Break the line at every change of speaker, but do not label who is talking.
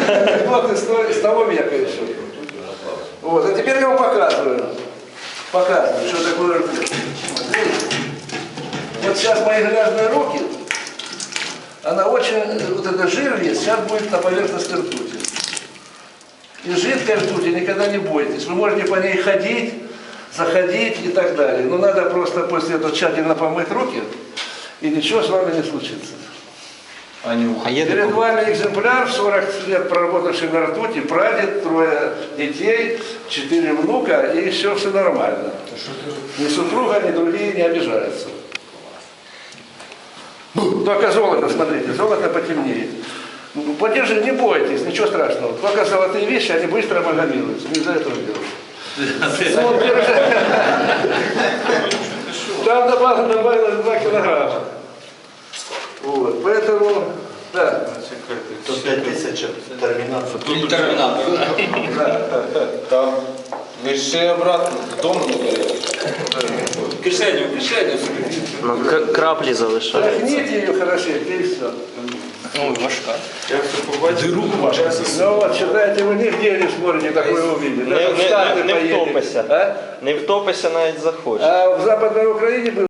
анекдоты с того века еще. Вот, а теперь я вам показываю. Показываю, что такое ртуть. Вот сейчас мои грязные руки, она очень, вот это жир есть, сейчас будет на поверхности ртути. И жидкой ртути никогда не бойтесь. Вы можете по ней ходить, заходить и так далее. Но надо просто после этого тщательно помыть руки, и ничего с вами не случится. Перед вами экземпляр, 40 лет проработавший на ртути, прадед, 3 детей, 4 внука, и еще все нормально. Ни супруга, ни другие не обижаются. Только золото, смотрите, золото потемнеет. Подержи, не бойтесь, ничего страшного. Только золотые вещи, они быстро амальгамируются. Не из-за этого делают. Там добавилось 2 килограмма. Вот, поэтому, да.
5 тысяч терминатор.
Терминатор, да.
Там меши обратно, дому не берете.
Кишеню.
Ну, краплі залишаються.
Тряхните ее хорошенько и все.
Ой, важка.
Я все побачив. Дыру важко.
Ну вот, считайте, вы нигде не сможете такое увидеть. Даже в Штаты
Не
поедете.
втопися.
А?
Не втопися навіть захочеш.
А в Западной Украине